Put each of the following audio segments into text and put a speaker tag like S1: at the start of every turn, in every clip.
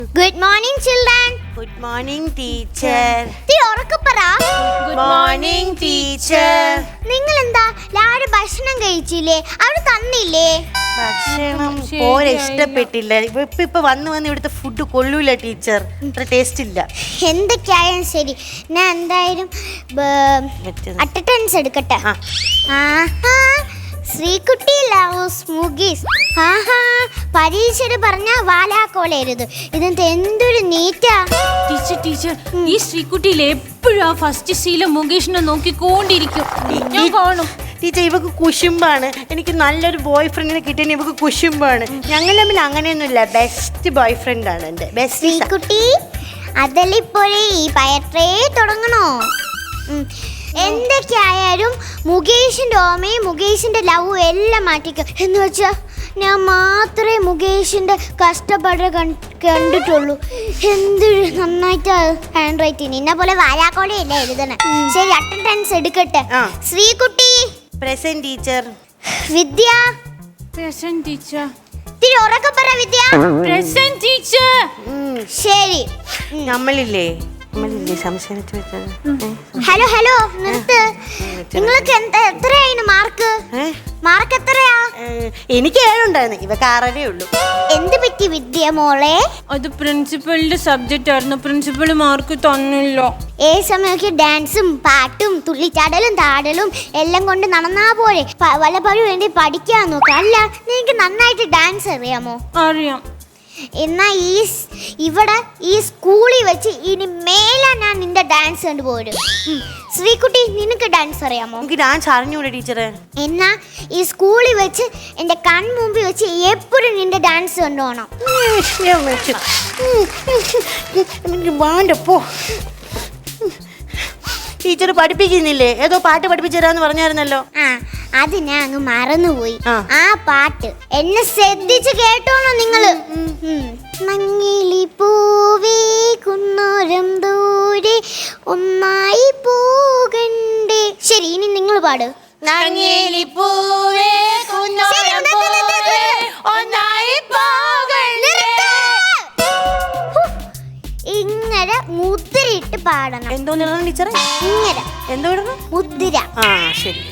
S1: Good morning, children.
S2: Good morning, teacher.
S1: Good
S2: morning, teacher.
S1: നിങ്ങൾ എന്താ രാവിലെ ഭക്ഷണം കഴിച്ചില്ലേ? അവിടെ തന്നില്ലേ?
S2: ഭക്ഷണം പോലെ ഇഷ്ടപ്പെട്ടില്ല. ഇപ്പൊ വന്ന് ഇവിടുത്തെ ഫുഡ് കൊള്ളൂല ടീച്ചർ. അത്ര ടേസ്റ്റ് ഇല്ല.
S1: എന്തൊക്കെയായാലും ശരി, ഞാൻ എന്തായാലും അറ്റൻഡൻസ് എടുക്കട്ടെ. ശ്രീകുട്ടി ലവ്സ് മുഗീസ്. പരീക്ഷയിൽ പറഞ്ഞ വാലാക്കോളരുത്. ഇതെന്ത് എന്തൊരു നീറ്റാ.
S3: ടീച്ചർ ഈ ശ്രീകുട്ടിയിൽ എപ്പോഴും ആ ഫസ്റ്റ് സീല മുകേഷിനെ നോക്കിക്കൊണ്ടിരിക്കും. ഞാൻ കാണും.
S2: ടീച്ചർ ഇവക്ക് കുശുമ്പാണ്. എനിക്ക് നല്ലൊരു ബോയ് ഫ്രണ്ടിനെ കിട്ടിയ ഇവക്ക് കുശുമ്പാണ്. ഞങ്ങൾ തമ്മിൽ അങ്ങനെയൊന്നുമില്ല. ബെസ്റ്റ് ബോയ് ഫ്രണ്ട് ആണ് എൻ്റെ ബെസ്റ്റ്.
S1: ശ്രീകുട്ടി അതല്ലിപ്പോഴേ ഈ പയറ്റേ തുടങ്ങണോ? എന്തൊക്കെയായാലും മുകേഷിന്റെ ഓമയും മുകേഷിന്റെ ലവും എല്ലാം മാറ്റിക്കും. എന്ന് വെച്ചാ ഞാൻ മാത്രമേ മുകേഷിന്റെ കഷ്ടപ്പാട് കണ്ടിട്ടുള്ളൂ. എന്തൊരു നന്നായിട്ട് ഹാൻഡ് റൈറ്റിങ്. ഇന്ന പോലെ വാലാക്കോളയല്ലേ എഴുതണേ. ശരി, അറ്റൻഡൻസ് എടുക്കട്ടെ. Sreekutty
S2: present teacher.
S1: Vidya
S3: present teacher.
S1: ഇത്തിരി ഉറക്കെ പറ വിദ്യ.
S3: Present teacher.
S1: ശരി,
S2: നമ്മളില്ലേ സംശയം.
S1: ഹലോ ഹലോ നിർത്ത്. നിങ്ങൾക്ക് എത്രയായിരുന്നു മാർക്ക് എത്രയാ?
S2: എനിക്ക് 7 ഉണ്ടായിരുന്നു. ഇവക്ക് 6 ഉള്ളൂ.
S1: എന്ത് പറ്റി വിദ്യ മോളെ?
S3: അത് പ്രിൻസിപ്പലിന്റെ സബ്ജക്റ്റ് ആയിരുന്നു. പ്രിൻസിപ്പൽ മാർക്ക് തന്നില്ല.
S1: സമയമൊക്കെ ഡാൻസും പാട്ടും തുള്ളിച്ചാടലും താടലും എല്ലാം കൊണ്ട് നടന്നാ പോലെ വല്ലപ്പോഴും വേണ്ടി പഠിക്കാൻ നോക്കാം. അല്ല, നിനക്ക് നന്നായിട്ട് ഡാൻസ് അറിയാമോ?
S3: അറിയാം.
S1: എന്നാ ഇവിടെ ഈ സ്കൂളിൽ വെച്ച് ഇനി മേലെ ഞാൻ നിന്റെ ഡാൻസ് കണ്ടുപോരും. ശ്രീകുട്ടി, നിനക്ക് ഡാൻസ് അറിയാമോ?
S2: എനിക്ക് ഡാൻസ് അറിഞ്ഞൂടെ ടീച്ചറെ.
S1: എന്നാ ഈ സ്കൂളിൽ വെച്ച് എന്റെ കൺമുമ്പിൽ വെച്ച് എപ്പോഴും നിന്റെ ഡാൻസ് കണ്ടുപോകണം.
S2: വേണ്ടപ്പോ ടീച്ചർ പഠിപ്പിക്കുന്നില്ലേ? ഏതോ പാട്ട് പഠിപ്പിച്ചു തരാന്ന് പറഞ്ഞായിരുന്നല്ലോ.
S1: അത് ഞാൻ അങ്ങ് മറന്നുപോയി. ആ പാട്ട് എന്നെ ശ്രദ്ധിച്ച് കേട്ടോളൂ നിങ്ങള്. മങ്ങിലി പൂവേ കുന്നോരം ദൂരെ ഒന്നായി പോകണ്ടേ. ശരി, ഇനി നിങ്ങൾ പാട്. ഇങ്ങനെ മുദ്രയിട്ട് പാടണം.
S2: എന്തോന്ന് ടീച്ചറെ?
S1: ഇങ്ങനെ
S2: എന്തോ
S1: മുദ്ര.
S2: ശരി.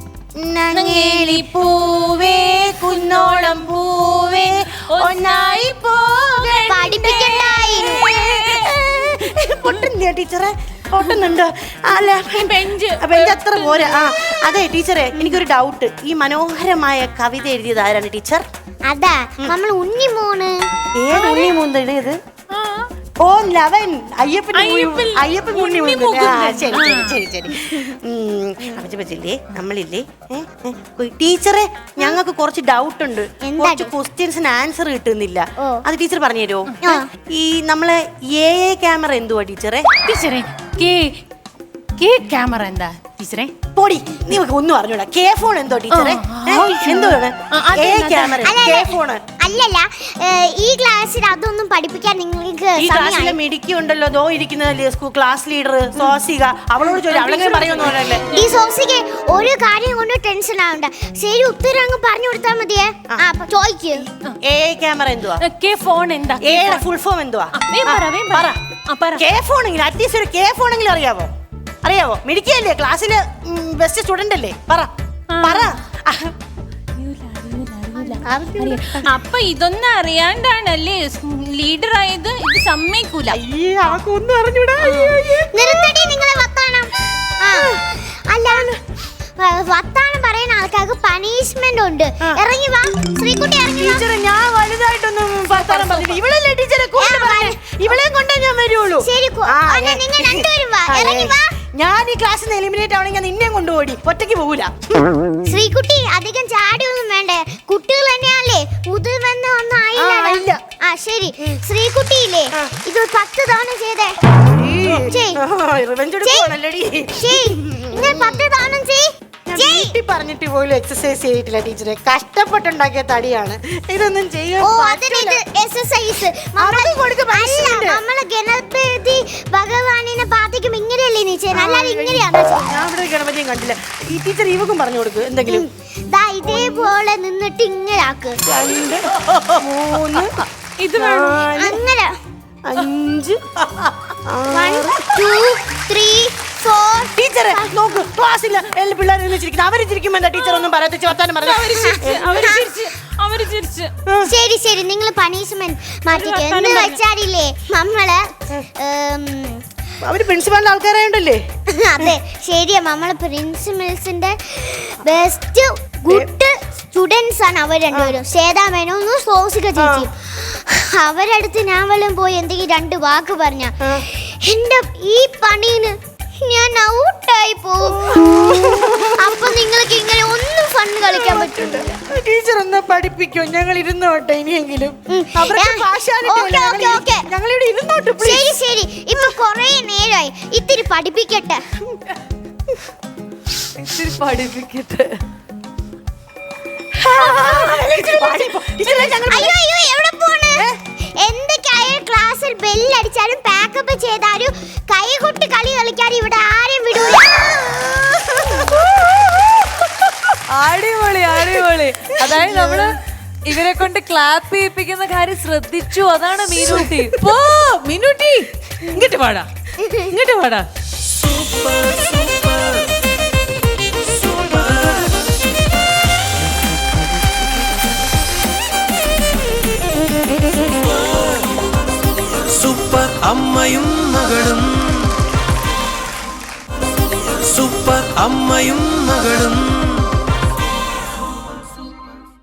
S2: പൂവേ കുന്നോളം പൂവേ ഒന്നായി പൊട്ടുന്നില്ല ടീച്ചറെ? പൊട്ടുന്നുണ്ടോ? അല്ല, ബെഞ്ച് അത്ര പോരാ. അതെ ടീച്ചറെ, എനിക്കൊരു ഡൗട്ട്. ഈ മനോഹരമായ കവിത എഴുതിയത് ആരാണ് ടീച്ചർ?
S1: അതാ നമ്മൾ ഉണ്ണിമോന്.
S2: ഏത് ഉണ്ണിമൂന്ന് എഴുതിയത്? ഓം 11 അയ്യപ്പൻ ശരി. നമ്മളില്ലേ ടീച്ചറെ, ഞങ്ങൾക്ക് കുറച്ച് ഡൗട്ട് ഉണ്ട്. കുറച്ച് ക്വസ്റ്റ്യൻസിന് ആൻസർ കിട്ടുന്നില്ല. അത് ടീച്ചർ പറഞ്ഞു തരുമോ? ഈ നമ്മളെ ക്യാമറ എന്തുവാ ടീച്ചറെ?
S3: ടീച്ചറെ ക്യാമറ എന്താ ടീച്ചറെ?
S2: പൊടി, നീ ഒന്നും അറിഞ്ഞൂടാ. കെ ഫോൺ എന്തോ ടീച്ചറെ? എന്തുവാണ് ക്യാമറ? കെ ഫോൺ
S1: അല്ലല്ല, ഈ ക്ലാസ്സിൽ അതൊന്നും പഠിപ്പിക്കാൻ നിങ്ങൾക്ക്
S2: ഈ ക്ലാസ്സിലെ മിടുക്കി ഉണ്ടല്ലോ, ദോ ഇരിക്കുന്നതല്ലേ ക്ലാസ് ലീഡർ സോസിക. അവളോട് ചോദിച്ചു, അവളെങ്ങനെ പറയുമെന്നല്ലേ.
S1: ഈ സോസിക ഒരു കാര്യം കൊണ്ട് ടെൻഷൻ ആവണ്ട. ശരി, ഉത്തരം അങ്ങ് പറഞ്ഞു കൊടുത്താൽ മതിയേ. ചോദിക്ക്.
S2: ക്യാമറ എന്തുവാ?
S3: കെ ഫോൺ എന്താ?
S2: ഫുൾ ഫോം എന്തുവാ?
S3: K
S2: phone. അറ്റ്ലീസ്റ്റ് ഒരു കെ ഫോണെങ്കിലും അറിയാവോ? മിടുക്കിയല്ലേ, ക്ലാസ്സിലെ ബെസ്റ്റ് സ്റ്റുഡന്റ് അല്ലേ? പറ.
S3: അപ്പൊ ഇതൊന്നും അറിയാണ്ടാണല്ലേ ലീഡർ ആയത്? ഇത് സമ്മതിക്കൂല.
S2: ഒന്നും അറിഞ്ഞൂടാ.
S1: നിർത്തടി നിങ്ങളെ വർത്താനം. അല്ല, വർത്താനം പറയുന്ന ആൾക്കാർക്ക് പണിഷ്മെന്റ് ഉണ്ട്. ഇറങ്ങി വാ ശ്രീകുട്ടി, ഇറങ്ങി വാ.
S2: ടീച്ചറെ, ഞാൻ വലുതായിട്ടൊന്നും വർത്താനം പറഞ്ഞില്ല. ഇവളല്ലേ ടീച്ചറെ ഇവളെയും കൊണ്ടേ ഞാൻ വരുള്ളൂ.
S1: ശരി, നിങ്ങൾ രണ്ടുപേരും വാ, ഇറങ്ങി വാ.
S2: ഞാൻ ഈ ക്ലാസ്സിൽ നിന്ന് എലിമിനേറ്റ് ആവണമെങ്കിൽ നിന്നെയും കൊണ്ടുപോയി. ഒറ്റയ്ക്ക് പോകൂല.
S1: ശ്രീകുട്ടി, അധികം ചാടിയൊന്നും വേണ്ടേ. കുട്ടികൾ തന്നെയല്ലേ, മുതിർവെന്ന് ഒന്നും ആയില്ല. ശരി, ശ്രീകുട്ടിയില്ലേ, ഇത് 10 തവണ ചെയ്തേ. 10 തവണ
S2: വീട്ടിൽ പറഞ്ഞിട്ട് പോലും എക്സസൈസ് ചെയ്തിട്ടില്ല ടീച്ചറെ. കഷ്ടപ്പെട്ടുണ്ടാക്കിയ തടിയാണ്. ഇതൊന്നും ചെയ്യാൻ
S1: നമ്മളെ ഗണപതി ഭഗവാനിനെ പ്രാർത്ഥിക്കും. ഇങ്ങനെയല്ലേ നീ ചെയ്യുന്നത്? അല്ലാതെ ഇങ്ങനെയാണോ?
S2: ഞാൻ ഇവിടെ ഗണപതിയും കണ്ടില്ല. ഈ ടീച്ചർ ഇവക്കും പറഞ്ഞു കൊടുക്കും എന്തെങ്കിലും.
S1: ഇതേപോലെ നിന്നിട്ട് ഇങ്ങനെ ആക്ക്.
S2: 2 3
S3: ഇത്
S1: അങ്ങനെ
S2: 5
S1: 1 2 3 4
S2: ടീച്ചറെ നോക്കൂ ക്ലാസ്സിൽ എല്ലാ പിള്ളേരും ചിരിക്കുന്നു. അവര് ചിരിക്കുമ്പോ എന്താ ടീച്ചർ ഒന്നും പറയാത്ത വർത്താനം
S3: അവര് ചിരിച്ച്.
S1: ശരി ശരി നിങ്ങൾ പണിഷ്മെന്റ് മാറ്റിക്കോ. എന്ന് വെച്ചാലില്ലേ നമ്മള്
S2: അവര് പ്രിൻസിപ്പാളിന്റെ ആൾക്കാരായോണ്ടല്ലേ?
S1: അതെ ശരിയാ. നമ്മള് പ്രിൻസിപ്പൽസിന്റെ ബെസ്റ്റ് ഗുഡ് സ്റ്റുഡൻസ് ആണ് അവർ രണ്ടുപേരും. ശ്വേതാമേനും സോസിക ചേച്ചിയും. അവരടുത്ത് ഞാൻ വല്ലതും പോയി എന്തെങ്കിലും 2 വാക്ക് പറഞ്ഞ എന്റെ ഈ പണീന് ഞാൻ ഔട്ടായി പോവും. അപ്പൊ നിങ്ങൾക്ക് ഇങ്ങനെ ഒന്നും ഫൺ കളിക്കാൻ പറ്റില്ല.
S2: ടീച്ചർ ഒന്ന് പഠിപ്പിക്കോ, ഞങ്ങൾ ഇരുന്നോട്ടെ ഇനിയെങ്കിലും. ഞങ്ങളിവിടെ ഇരുന്നോട്ടെ.
S1: ശരി ശരി, ഇപ്പൊ കൊറേ നേരമായി. ഇത്തിരി പഠിപ്പിക്കട്ടെ. അയ്യോ അയ്യോ എവിടെ പോണ്? എന്തൊക്കെയായാലും ക്ലാസ്സിൽ ബെല്ലടിച്ചാലും പാക്കപ്പ് ചെയ്താലും കൈകൊട്ടി കളി കളിക്കാൻ ഇവിടെ ആരെയും വിടൂല.
S4: അടിപൊളി അടിപൊളി. അതായത് നമ്മള് ഇവരെ കൊണ്ട് ക്ലാപ്പ് ചെയ്യിപ്പിക്കുന്ന കാര്യം ശ്രദ്ധിച്ചു. അതാണ് മീനൂട്ടി. മീനൂട്ടി ഇങ്ങോട്ട് പാടാ, ഇങ്ങോട്ട് പാടാ.
S5: സൂപ്പർ അമ്മയും മകളും, സൂപ്പർ അമ്മയും മകളും.